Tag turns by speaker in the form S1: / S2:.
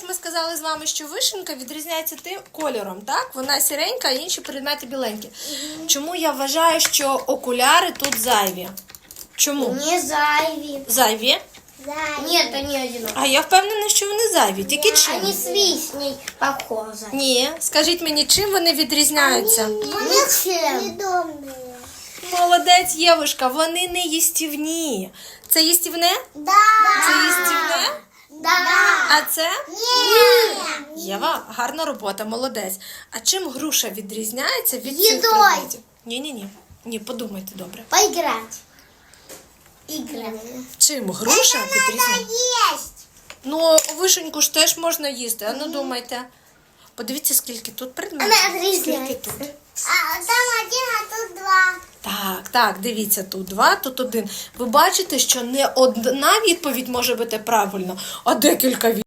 S1: ж ми сказали з вами, що вишенька відрізняється тим кольором, так? Вона сіренька, а інші предмети біленькі. Чому я вважаю, що окуляри тут зайві? Чому?
S2: Не зайві.
S1: Зайві?
S2: Нет, они одинаковые.
S1: А я впевнена, що вони зайві. Тільки чим?
S2: Они с вишней похожи.
S1: Ні. Скажіть мені, чим вони відрізняються?
S2: Ничем.
S1: Молодець, Євушка, вони не їстівні. Це їстівне?
S2: Да.
S1: Це їстівне?
S2: Да.
S1: А це?
S2: Нет.
S1: Єва, гарна робота, молодець. А чим груша відрізняється від цих
S2: Їдою.
S1: предметів? Ні. Ні, подумайте добре.
S2: Поиграть. Играть.
S1: Чим груша відрізняється?
S2: Есть.
S1: Ну, вишеньку ж теж можна їсти. А ну думайте. Подивіться, скільки тут предметів.
S2: Вона відрізняється.
S1: Скільки тут.
S2: А там один, а тут два.
S1: Так, дивіться, тут 2, тут 1. Ви бачите, що не одна відповідь може бути правильно, а декілька відповідей.